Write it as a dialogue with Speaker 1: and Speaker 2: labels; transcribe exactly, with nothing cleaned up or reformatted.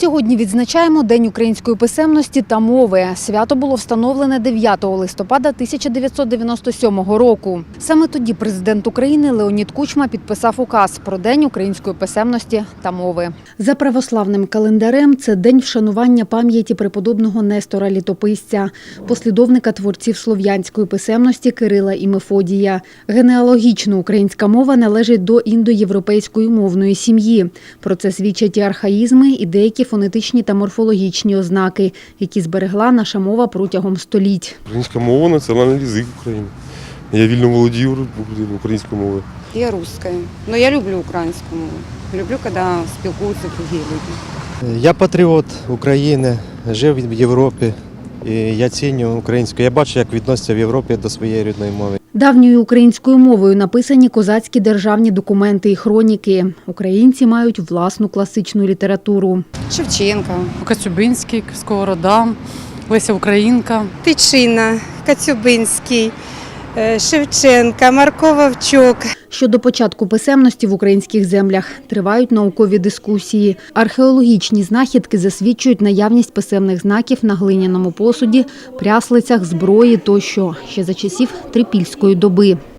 Speaker 1: Сьогодні відзначаємо День української писемності та мови. Свято було встановлене дев'ятого листопада тисяча дев'ятсот дев'яносто сьомого року. Саме тоді президент України Леонід Кучма підписав указ про День української писемності та мови. За православним календарем це день вшанування пам'яті преподобного Нестора Літописця, послідовника творців слов'янської писемності Кирила і Мефодія. Генеалогічно українська мова належить до індоєвропейської мовної сім'ї. Про це свідчать і архаїзми, і деякі фонетичні та морфологічні ознаки, які зберегла наша мова протягом століть.
Speaker 2: Українська мова – національний язик України. Я вільно володію українською мовою.
Speaker 3: Я русская, но я люблю українську мову. Люблю, коли спілкуються другі люди.
Speaker 4: Я патріот України, жив в Європі, і я ціню українську. Я бачу, як відносяться в Європі до своєї рідної мови.
Speaker 1: Давньою українською мовою написані козацькі державні документи і хроніки. Українці мають власну класичну літературу.
Speaker 3: Шевченка,
Speaker 5: Коцюбинський, Сковорода, Леся Українка.
Speaker 6: Тичина, Коцюбинський, Шевченка, Марко Вовчок.
Speaker 1: Щодо початку писемності в українських землях тривають наукові дискусії. Археологічні знахідки засвідчують наявність писемних знаків на глиняному посуді, пряслицях, зброї тощо, ще за часів трипільської доби.